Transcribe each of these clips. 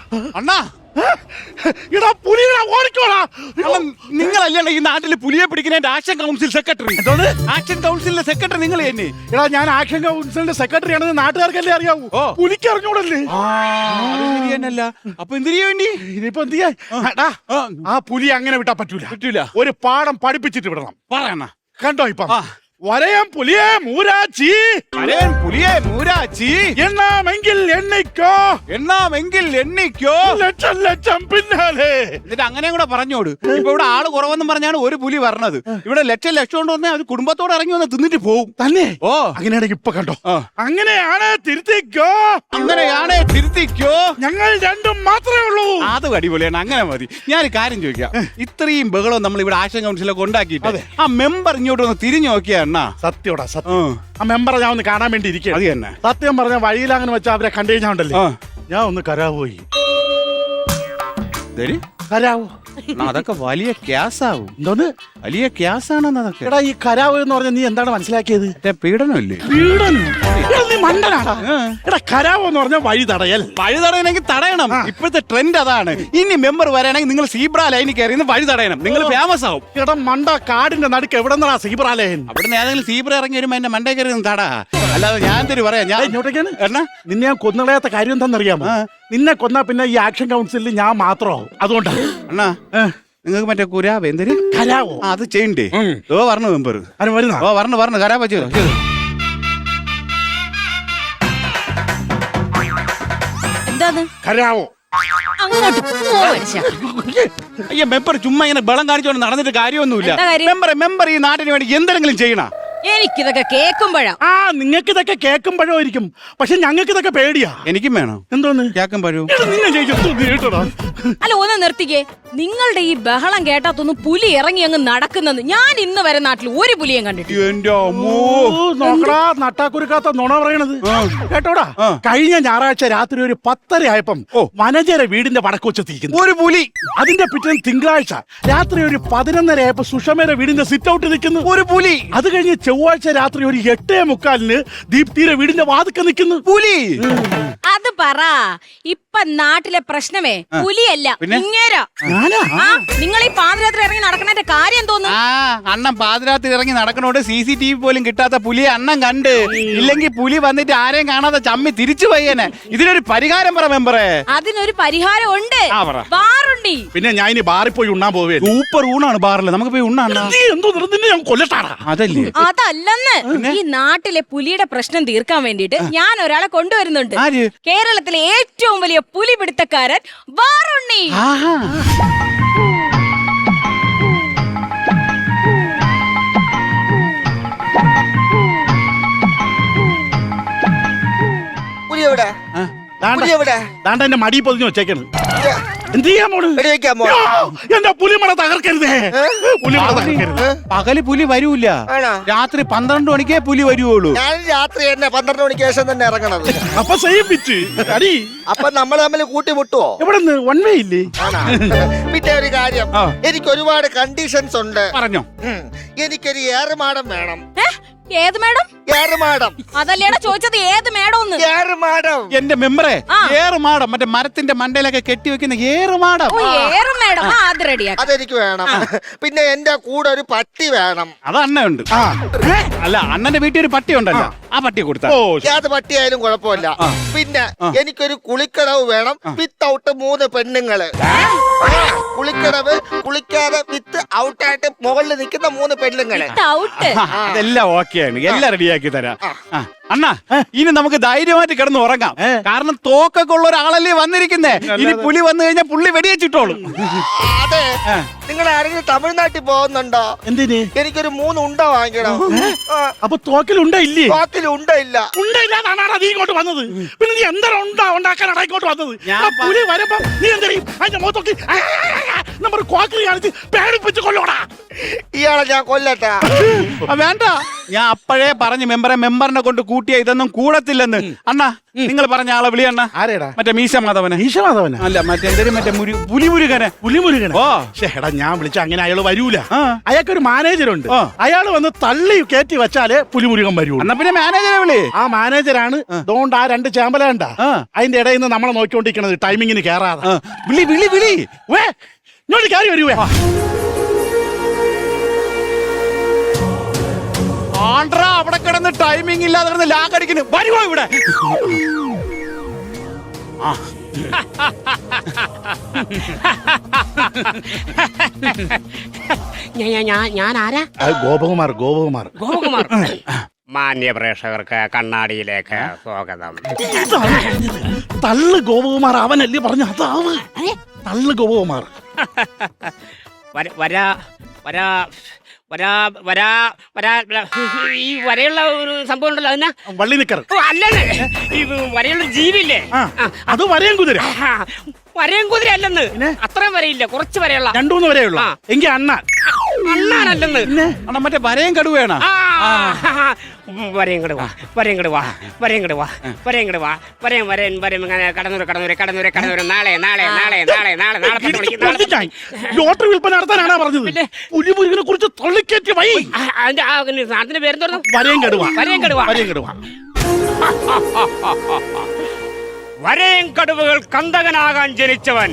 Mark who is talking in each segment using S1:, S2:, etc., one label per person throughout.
S1: അണ്ണാ
S2: ഇടാ പുലികളെ ഓടിക്കോടാ.
S1: നിങ്ങളല്ലേ ഈ നാട്ടിൽ പുലിയെ പിടിക്കുന്ന ആക്ഷൻ കൗൺസിൽ സെക്രട്ടറി? ആക്ഷൻ കൗൺസിലിന്റെ സെക്രട്ടറി നിങ്ങൾ തന്നെ?
S2: എടാ ഞാൻ ആക്ഷൻ കൗൺസിലിന്റെ സെക്രട്ടറി ആണെന്ന് നാട്ടുകാർക്കല്ലേ അറിയാവൂ. പുലിക്ക് അറിഞ്ഞൂടല്ലേ?
S1: ശരിയല്ല. അപ്പൊ എന്തിനു വേണ്ടി?
S2: ഇനിയിപ്പോ എന്ത് ചെയ്യാൻ? ആ പുലി അങ്ങനെ വിട്ടാ പറ്റൂല. ഒരു പാഠം പഠിപ്പിച്ചിട്ട് വിടണം.
S1: പറയണ
S2: കണ്ടോ ഇപ്പം വരയം പുലിയെ മൂരാച്ചി,
S1: വരയൻ പുലിയെ മൂരാച്ചി,
S2: എണ്ണാമെങ്കിൽ
S1: എണ്ണിക്കോ
S2: ലക്ഷം ലക്ഷം പിന്നാലെ.
S1: എന്നിട്ട് അങ്ങനെ കൂടെ പറഞ്ഞോട്. ഇപ്പൊ ഇവിടെ ആള് കുറവെന്നും പറഞ്ഞാണ് ഒരു പുലി പറഞ്ഞത്. ഇവിടെ ലക്ഷം കൊണ്ട് വന്നാൽ അത് കുടുംബത്തോടെ ഇറങ്ങി വന്ന് തിന്നിട്ട് പോകും
S2: തന്നെ.
S1: ഓ
S2: അങ്ങനെയാണെങ്കിൽ ഇപ്പൊ കണ്ടോ, അങ്ങനെയാണ് തിരുത്തിക്കോ. ഞങ്ങൾ രണ്ടും മാത്രമേ ഉള്ളൂ.
S1: അത് അടിപൊളിയാണ്. അങ്ങനെ മതി. ഞാൻ കാര്യം ചോദിക്കാം. ഇത്രയും ബഹളം നമ്മൾ ഇവിടെ ആക്ഷൻ കൗൺസിലൊക്കെ ഉണ്ടാക്കിയിട്ട് ആ മെമ്പർ ഇങ്ങോട്ട് ഒന്ന് തിരിഞ്ഞു നോക്കിയാ
S2: സത്യോടാ സത്യം. ആ മെമ്പറെ ഞാൻ ഒന്ന് കാണാൻ വേണ്ടി ഇരിക്കുക.
S1: അത് തന്നെ.
S2: സത്യം പറഞ്ഞ വഴിയിൽ അങ്ങനെ വെച്ചാൽ അവരെ കണ്ടു കഴിഞ്ഞാണ്ടല്ലേ ഞാൻ ഒന്ന് കരാവോയി. കരാവോ
S1: അതൊക്കെ വലിയ ക്യാസാവും.
S2: എന്തോന്ന്
S1: വലിയ ക്യാസാണെന്ന് അതൊക്കെ.
S2: എടാ ഈ കരാവ് എന്ന് പറഞ്ഞ നീ എന്താണ് മനസ്സിലാക്കിയത്?
S1: പീഡനമല്ലേ?
S2: പീഡനം? നീ മണ്ടനാടാ. എടാ കരാവ് എന്ന് പറഞ്ഞ വഴി
S1: തടയണമെങ്കിൽ തടയണം. ഇപ്പോഴത്തെ ട്രെൻഡ് അതാണ്. ഇനി മെമ്പർ വരാണെങ്കിൽ നിങ്ങൾ സീബ്ര ലൈനിൽ കയറി വഴി തടയണം. നിങ്ങൾ ഫേമസ് ആവും.
S2: എടാ മണ്ട, കാടിന്റെ നടുക്ക് എവിടെ നിന്നാ സീബ്ര ലൈൻ?
S1: അവിടുന്ന് ഏതെങ്കിലും സീബ്ര ഇറങ്ങി വരുമ്പോ എന്റെ മണ്ടേ കയറി തടാ. അല്ലാതെ ഞാൻ തരും പറയാം. ഞാൻ
S2: ഇങ്ങോട്ടേക്കാണ് നിന്നെ ഞാൻ കൊന്നുകളയാത്ത കാര്യം എന്താണെന്നറിയാമോ? നിന്നെ കൊന്നാ പിന്നെ ഈ ആക്ഷൻ കൗൺസിലിൽ ഞാൻ മാത്രമാവും. അതുകൊണ്ടാണ്.
S1: അണ്ണാ നിങ്ങൾക്ക് മറ്റേ കുരാബ് എന്തൊരു
S2: കരാവോ
S1: അത് ചെയ്യണ്ടേ? പറഞ്ഞു മെമ്പർ പറഞ്ഞു കരാബ ചെയ്തു.
S2: കരാവോ
S1: അയ്യ മെമ്പർ ചുമ്മാ ഇങ്ങനെ ബളം കാണിച്ചോണ്ട് നടന്നിട്ട് കാര്യമൊന്നുമില്ല. മെമ്പർ ഈ നാട്ടിന് വേണ്ടി എന്തെങ്കിലും ചെയ്യണ?
S3: എനിക്കിതൊക്കെ കേൾക്കുമ്പോഴാ.
S2: നിങ്ങൾക്ക് ഇതൊക്കെ കേൾക്കുമ്പോഴായിരിക്കും, പക്ഷെ ഞങ്ങൾക്ക് ഇതൊക്കെ പേടിയാ.
S1: എനിക്കും വേണം.
S2: എന്തോന്ന്
S1: കേൾക്കുമ്പോഴും?
S3: അല്ല ഒന്ന് നിർത്തിക്കേ. നിങ്ങളുടെ ഈ ബഹളം കേട്ടാത്തൊന്നും പുലി ഇറങ്ങി അങ്ങ് നടക്കുന്നത് ഞാൻ ഇന്ന് വരെ നാട്ടിൽ ഒരു പുലിയും കണ്ടിട്ടില്ല.
S2: നോക്കടാ നട്ടാക്കുരുക്കാത്ത നുണ പറയണത് കേട്ടോടാ. കഴിഞ്ഞ ഞായറാഴ്ച രാത്രി ഒരു 10:30 ആയപ്പം വനജര വീടിന്റെ വടക്കുവച്ചെത്തിയിരിക്കുന്നു ഒരു പുലി. അതിന്റെ പിറ്റേന്ന് തിങ്കളാഴ്ച രാത്രി ഒരു 11:30 ആയപ്പോ സുഷമയുടെ വീടിന്റെ സിറ്റ് ഔട്ട് നിൽക്കുന്നു ഒരു പുലി. അത് കഴിഞ്ഞ് ചൊവ്വാഴ്ച രാത്രി ഒരു 8:45 ദീപ്തിയുടെ വീടിന്റെ വാതിക്ക നിൽക്കുന്നു പുലി.
S3: അത് പറ. ഇപ്പൊ നാട്ടിലെ പ്രശ്നമേ പുലിയല്ല, ഇങ്ങേരാ. നിങ്ങൾ ഈ പാതിരാത്രി ഇറങ്ങി നടക്കുന്നതിന്റെ കാര്യം തോന്നുന്നു.
S1: അണ്ണൻ പാതിരാത്രി ഇറങ്ങി നടക്കണോണ്ട് CCTV പോലും കിട്ടാത്ത പുലിയെ അണ്ണൻ കണ്ട്. ഇല്ലെങ്കിൽ പുലി വന്നിട്ട് ആരെയും കാണാതെ ചമ്മി തിരിച്ചു പോയേനെ. ഇതിനൊരു പരിഹാരം പറ മെമ്പറേ.
S3: അതിനൊരു പരിഹാരം ഉണ്ട്. ബാറുണ്ടി.
S2: പിന്നെ ഞാൻ ഇനി ബാറിൽ പോയി ഉണ്ണാൻ പോവേ.
S1: സൂപ്പർ ഊണാണ് ബാറില്. നമുക്ക് പോയി ഉണ്ണാണ്. അതല്ലേ?
S3: അതല്ലെന്ന്. ഈ നാട്ടിലെ പുലിയുടെ പ്രശ്നം തീർക്കാൻ വേണ്ടിട്ട് ഞാൻ ഒരാളെ കൊണ്ടുവരുന്നുണ്ട്. കേരളത്തിലെ ഏറ്റവും വലിയ പുലി പിടുത്തക്കാരൻ ബാറുണ്ണി.
S2: എന്റെ മടി പൊതിഞ്ഞു വെച്ചേക്കണ്. എന്ത് ചെയ്യാൻ പോണ്? എന്റെ പുലിമട തകർക്കരുതേ.
S1: പകല് പുലി വരൂല, രാത്രി 12 മണിക്കേ പുലി വരുവുള്ളൂ.
S4: ഞാൻ രാത്രി തന്നെ 12 മണിക്ക് ശേഷം തന്നെ ഇറങ്ങണത്.
S2: അപ്പൊ സേവിച്ച് അടി.
S4: അപ്പൊ നമ്മൾ തമ്മിൽ കൂട്ടിമുട്ടുവോ?
S2: എവിടെ വൺ വേ ഇല്ലേ?
S4: പിന്നെ ഒരു കാര്യം, എനിക്ക് ഒരുപാട് കണ്ടീഷൻസ് ഉണ്ട്.
S1: പറഞ്ഞോ.
S4: എനിക്കൊരു ഏറുമാടം വേണം.
S3: ഏത് മേഡം?
S4: ഏറുമാടം.
S3: അതല്ലേടാ ചോദിച്ചത്, ഏത് മേഡം?
S4: ഏറുമാടം.
S1: എന്റെ മെമ്പറെ, ഏറുമാടം മറ്റേ മരത്തിന്റെ മണ്ടയിലൊക്കെ കെട്ടിവെക്കുന്ന ഏറുമാടം.
S3: അത് റെഡിയാ.
S4: അതെനിക്ക് വേണം. പിന്നെ എന്റെ കൂടെ ഒരു പട്ടി വേണം.
S1: അത് അണ്ണയുണ്ട്. അല്ല അണ്ണന്റെ വീട്ടിൽ ഒരു പട്ടി ഉണ്ടല്ലോ, ആ പട്ടിയെ കൊടുത്താ.
S4: ഏത് പട്ടിയായാലും കുഴപ്പമില്ല. പിന്നെ എനിക്കൊരു കുളിക്കടവ് വേണം, വിത്തൗട്ട് 3 പെണ്ണുങ്ങള്. കുളിക്കടവ്, കുളിക്കാതെ വിത്ത് ഔട്ടായിട്ട് മുകളിൽ നിൽക്കുന്ന 3 പെണ്ണുങ്ങള്.
S1: അതെല്ലാം ഓക്കെയാണ്, എല്ലാം റെഡിയാക്കി തരാം. അണ്ണാ ഇനി നമുക്ക് ധൈര്യമായിട്ട് കിടന്ന് ഉറങ്ങാം. കാരണം തോക്കൊക്കെ ഉള്ള ഒരാളല്ലേ വന്നിരിക്കുന്നേ. ഇനി പുലി വന്നു കഴിഞ്ഞാൽ പുള്ളി വെടിവെച്ചിട്ടോളും.
S4: അതെ, നിങ്ങൾ ആരെങ്കിലും തമിഴ്നാട്ടിൽ പോകുന്നുണ്ടോ?
S2: എന്തിന്?
S4: എനിക്കൊരു 3 ഉണ്ട വാങ്ങിക്കണം.
S2: അപ്പൊ തോക്കിലുണ്ട ഇല്ലേ?
S4: തോക്കിലുണ്ട ഇല്ല.
S2: ഉണ്ടയില്ലാതാണ് നീ ഇങ്ങോട്ട് വന്നത്. പിന്നെ നീ എന്താ ഉണ്ടാക്കാനാണ് ഇങ്ങോട്ട് വന്നത്? പുലി വരുമ്പോ നീ എന്താ അതിന്റെ മുഖത്തൊക്കെ നമ്പർ ക്വാക്കറി കാണിച്ച് പേടിപ്പിച്ച് കൊല്ലോടാ.
S4: ഇയാളെ ഞാൻ കൊല്ലട്ടാ.
S1: വേണ്ട, ഞാൻ അപ്പോഴേ പറഞ്ഞു മെമ്പറിനെ കൊണ്ട് കൂട്ടിയ ഇതൊന്നും കൂടത്തില്ലെന്ന്. അണ്ണാ നിങ്ങൾ പറഞ്ഞ ആളെ വിളി അണ്ണാ.
S2: ആരേടാ?
S1: മറ്റേ മീശ മാധവനെ.
S2: ഈശമാധവന
S1: അല്ല മറ്റേ പുലിമുരുകനെ.
S2: പുലിമുരുകൻ.
S1: ഓ
S2: എടാ ഞാൻ വിളിച്ച അങ്ങനെ അയാള് വരൂല. അയാൾക്കൊരു മാനേജറുണ്ട്. അയാള് വന്ന് തള്ളി കയറ്റി വെച്ചാലേ പുലിമുരുകൻ വരൂ.
S1: എന്നാ പിന്നെ മാനേജറെ വിളി.
S2: ആ മാനേജറാണ് അതുകൊണ്ട് ആ 2 ചാമ്പലണ്ട അതിന്റെ ഇടയിൽ നിന്ന് നമ്മളെ നോക്കിക്കൊണ്ടിരിക്കണത് ടൈമിങ്ങിന് കേറാതെ.
S1: വിളി വിളി വിളി.
S2: വേ ഇങ്ങോട്ട് കയറി വരുവേ.
S1: ആണ്ട്രാ അവിടെ കിടന്ന് ടൈമിംഗ് ഇല്ലാതെ കിടന്ന് ലാഗടിക്കുന്നു. വരുവോ ഇവിടെ?
S5: ഞാൻ ആരാ?
S2: ഗോപകുമാർ. ഗോപകുമാർ.
S5: ഗോപകുമാർ. മാന്യ പ്രേക്ഷകർക്ക് കണ്ണാടിയിലേക്ക് സ്വാഗതം.
S2: തള്ളു ഗോപകുമാർ അവനല്ലേ പറഞ്ഞു. അതാവ് തള്ളു ഗോപകുമാർ.
S5: വരാ വരാ വരാ വരാ വരാ ഈ വരയുള്ള ഒരു സംഭവം ഉണ്ടല്ലോ അതിനാ
S2: വള്ളി നിക്കർ.
S5: അല്ലെന്ന് ഈ വരയുള്ള ജീവില്ലേ
S2: അത് വരയും കുതിര.
S5: വരയും കുതിര അല്ലെന്ന്. അത്രയും വരയില്ല, കുറച്ച് വരെയുള്ള
S2: 2-3 വരെയുള്ള. എങ്കി
S5: അണ്ണാനല്ലെന്ന്.
S1: അണ്ണാ മറ്റേ വരയും കടുവയാണ്.
S5: വരയും കടുവ വരയും കടുവ വരയും കടുവ വരയും കടുവ വരയും വരയും വരയും ഇങ്ങനെ കടന്നൂര് നാളെ നാളെ നാളെ നാളെ നാളെ നാളെ
S2: ലോട്ടറി വിൽപ്പന നടത്താനാണ് പറഞ്ഞത്. പുലിമുരുകനെ കുറിച്ച് തള്ളിക്കയറ്റി വൈ.
S5: അതിന്റെ സാധനത്തിന്റെ പേരെന്തോന്നു?
S2: വരയും കടുവ.
S5: വരയും കടുവ.
S2: വരയും കടുവ.
S5: വരയും കടുവകൾ കന്തകനാകാൻ ജനിച്ചവൻ.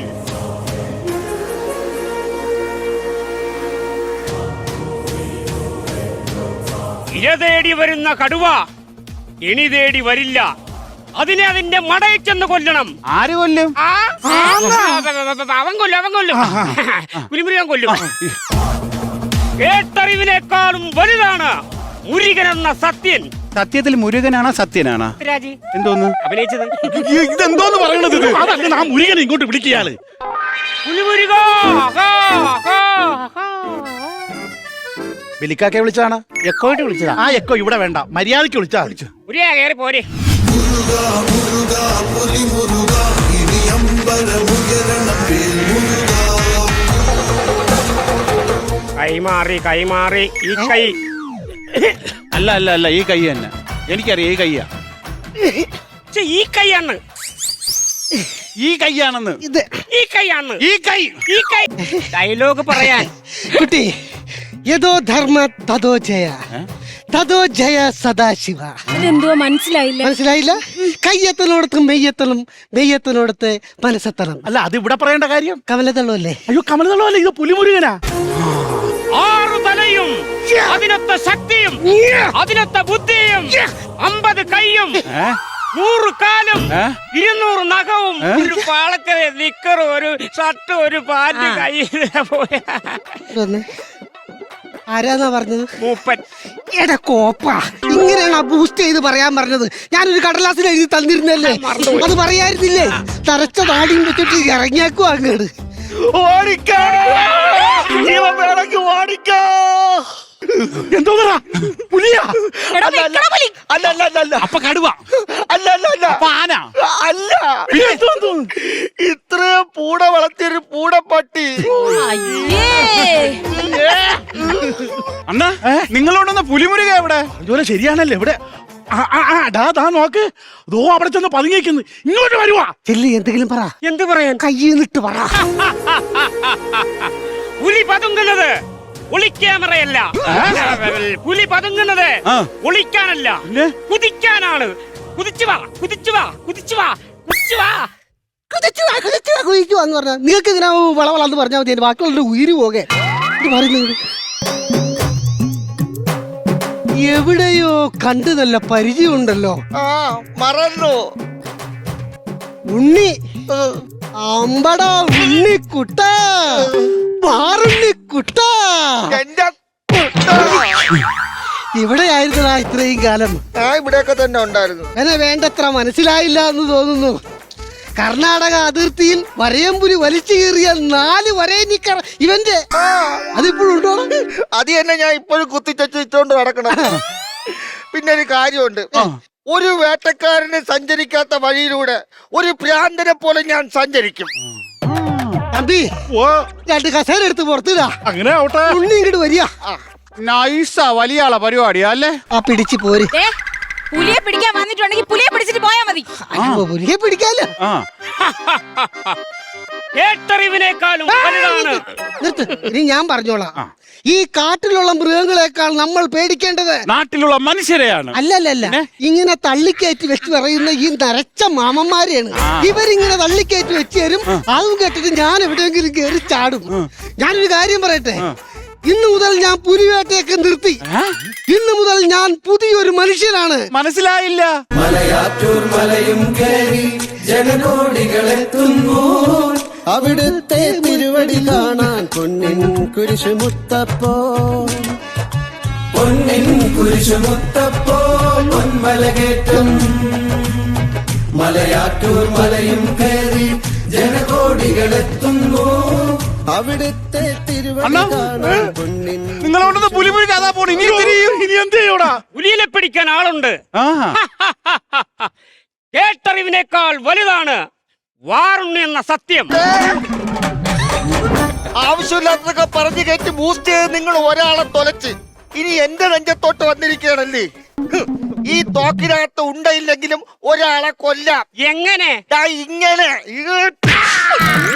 S5: ഇര തേടി വരുന്ന കടുവ ഇണി തേടി വരില്ല. അതിനെ അതിന്റെ മടയിൽ ചെന്ന് കൊല്ലണം.
S1: ആര് കൊല്ലും?
S5: അവൻ കൊല്ലും. പുലിമുരുകൻ കൊല്ലും. കേട്ടറിവിനേക്കാളും വലുതാണ് മുരുകൻ എന്ന സത്യൻ.
S1: സത്യത്തിൽ മുരുകനാണോ സത്യനാണോ?
S5: രാജി
S1: എന്തോന്ന്
S5: അഭിനയിച്ചത്?
S1: ഇതെന്തോന്ന് പറയണത്?
S2: അതല്ല ആ മുരുകനെ ഇങ്ങോട്ട് വിളിക്കയാള്.
S5: പുലിമുരുക
S2: ബലിക്കാക്കെ വിളിച്ചാണ്. എക്കോയിട്ട് വിളിച്ചതാ. ആ എക്കോ ഇവിടെ വേണ്ട, മര്യാദയ്ക്ക് വിളിച്ചാ.
S5: മുരുക കയറി പോരെ. കൈമാറി ഈ കൈ.
S1: അല്ല ഈ കൈ തന്നെ എനിക്കറിയാം. ഈ കയ്യാ.
S5: ഈ കൈയാണ്.
S1: ഈ കൈയാണെന്ന്.
S5: ഈ കൈയാണ്.
S1: ഈ കൈ
S5: ഡയലോഗ് പറയാൻ.
S6: കുട്ടി യഥോ ധർമ്മ തഥോ ജയ തഥോ ജയ സദാശിവ.
S3: അതെന്തോ മനസ്സിലായില്ല.
S6: മനസ്സിലായില്ല? കയ്യെത്തലോടത്ത് മെയ്യെത്തലും മെയ്യെത്തലോടത്ത് മനസ്സെത്തണം.
S2: അല്ല അത് ഇവിടെ പറയേണ്ട കാര്യം.
S6: കമലതള്ളല്ലേ?
S2: അയ്യോ കമലതള്ളല്ലേ, ഇത് പുലിമുരുകനാ.
S5: 6 തലയും 11 ശക്തിയും 11 ബുദ്ധിയും 50 കൈയും 100 കാലും 200 നഖവും ഒരു പാളക്കര നിക്കറും ഒരു ഷർട്ട് ഒരു പാന്റ് കയ്യിൽ പോയ
S6: ആരാന്നാ പറഞ്ഞത്?
S5: മൂപ്പൻ.
S6: എടാ കോപ്പ, ഇങ്ങനെയാണ് ബൂസ്റ്റ് ചെയ്ത് പറയാൻ പറഞ്ഞത്. ഞാനൊരു കടലാസിൽ എഴുതി തന്നിരുന്നല്ലേ, അത് പറയായിരുന്നില്ലേ? തരച്ച നാടിയും വെച്ചിട്ട് ഇറങ്ങിയാക്കും അങ്ങോട്ട്.
S2: ഓടിക്കോ ജീവൻ വേണമെങ്കിൽ ഓടിക്കോ. എന്തോ പുലിയാ? അല്ല
S1: അപ്പൊ കടുവ.
S2: അല്ല
S1: അപ്പൊ ആന.
S4: അല്ല, ഇത്രയും പൂട വളർത്തിയൊരു പൂടപ്പട്ടി.
S1: അണ്ണാ നിങ്ങളോടൊന്ന് പുലിമുരുക എവിടെ?
S2: അതുപോലെ ശരിയാണല്ലേ ഇവിടെ. ഡാ നോക്ക്, ദോ അവിടെ ചെന്ന് പതുങ്ങിക്കുന്നു. ഇങ്ങോട്ട് വരുവാ.
S6: ചെല്ലി എന്തെങ്കിലും പറ.
S5: എന്ത് പറയാൻ?
S6: കയ്യിന്നിട്ട് പറ.
S5: പുലി പതുങ്ങുന്നത് ഒളിക്യാമറയല്ല. പുലി പതുങ്ങുന്നത് ഒളിക്കാനല്ല, കുതിക്കാനാണ്.
S6: കുതിച്ചുവാന്ന് പറഞ്ഞ നിങ്ങൾക്ക് ഇങ്ങനെ വളവളന്ന് പറഞ്ഞാൽ മതി. ബാക്കിയുള്ള ഉയിര് പോകെ ഇത് പറയുന്നത് എവിടെയോ കണ്ടു നല്ല പരിചയമുണ്ടല്ലോ.
S4: മറന്നു.
S6: ഉണ്ണി അമ്പടാ ഉണ്ണിക്കുട്ട പാറുണ്ണിക്കുട്ട. ഇവിടെയായിരുന്നടാ ഇത്രയും കാലം.
S4: ഇവിടെയൊക്കെ തന്നെ ഉണ്ടായിരുന്നു.
S6: എന്നെ വേണ്ടത്ര മനസ്സിലായില്ല എന്ന് തോന്നുന്നു. കർണാടക അതിർത്തിയിൽ വരയമ്പുലി വലിച്ചു കീറിയ 4 വരയനിക്കർ ഇവന്റെ അതിപ്പോഴുണ്ടോ?
S4: അത് തന്നെ ഞാൻ ഇപ്പോഴും കുത്തിച്ചോണ്ട് നടക്കണം. പിന്നെ ഒരു കാര്യമുണ്ട്. ഒരു വേട്ടക്കാരന് സഞ്ചരിക്കാത്ത വഴിയിലൂടെ ഒരു ഭ്രാന്തനെ പോലെ ഞാൻ സഞ്ചരിക്കും.
S6: തമ്പി
S2: ഓ
S6: 2 കസേര എടുത്ത് പുറത്തിടാ.
S2: അങ്ങനെ ആവട്ടെ.
S6: ഉണ്ണി ഇങ്ങോട്ട് വരിക.
S1: നൈസാ, വലിയ ആളാ പരിപാടിയാ അല്ലേ?
S6: ആ പിടിച്ച് പോര്.
S3: ദേ, പുലിയെ പിടിക്കാൻ വന്നിട്ടുണ്ടെങ്കിൽ പുലിയെ പിടിച്ചിട്ട് പോയാ മതി.
S6: അയ്യോ, പുലിയെ പിടിക്കാലോ.
S1: ആ
S5: കേട്ടറിവിനേക്കാളും വലുതാണ്.
S6: നിർത്ത്, ഇനി ഞാൻ പറഞ്ഞോളാം. ഈ കാട്ടിലുള്ള മൃഗങ്ങളെക്കാൾ നമ്മൾ പേടിക്കേണ്ടത്
S1: നാട്ടിലുള്ള മനുഷ്യരെയാണ്.
S6: അല്ലല്ല, ഇങ്ങനെ തള്ളിക്കയറ്റി വെച്ച് പറയുന്ന ഈ നരച്ച മാമന്മാരെയാണ്. ഇവരിങ്ങനെ തള്ളിക്കയറ്റി വെച്ച് തരും. അതും കേട്ടിട്ട് ഞാൻ എവിടെയെങ്കിലും കയറി ചാടും. ഞാനൊരു കാര്യം പറയട്ടെ, ഇന്ന് മുതൽ ഞാൻ പുലിവേട്ടയൊക്കെ നിർത്തി. ഇന്ന് മുതൽ ഞാൻ പുതിയൊരു മനുഷ്യനാണ്.
S1: മനസ്സിലായില്ല.
S7: മലയാറ്റൂർ മലയും കയറി ജനകോടികളെത്തുന്നു അവിടുത്തെ തിരുവടി കാണാൻ പൊന്നിൻ കുരിശുമുത്തപ്പോ പൊന്നിൻ കുരിശുമുത്തപ്പോ പൊന്മലകേറ്റം മലയാറ്റൂർ മലയും കയറി ജനകോടികളെത്തുന്നു അവിടുത്തെ തിരുവടി കാണാൻ പൊന്നിൻ.
S1: നിങ്ങളോടൊന്ന് പുലി പുലി കഥാ പോണു. ഇനി
S2: ഇനി എന്ത് ചെയ്യൂടാ?
S5: പുലിയെ പിടിക്കാൻ ആളുണ്ട്.
S1: ആ
S5: കേട്ടറിവിനേക്കാൾ വലുതാണ് വാറുണ്ണി എന്ന സത്യം.
S4: ആവശ്യമില്ലാത്തതൊക്കെ പറഞ്ഞു കയറ്റി ബൂസ്റ്റ് ചെയ്ത് നിങ്ങൾ ഒരാളെ തൊലച്ച് ഇനി എന്റെ നെഞ്ചത്തോട്ട് വന്നിരിക്കുകയാണല്ലേ. ഈ തോക്കിനകത്ത് ഉണ്ടയില്ലെങ്കിലും ഒരാളെ കൊല്ലാം.
S5: എങ്ങനെ?
S4: ദാ ഇങ്ങനെ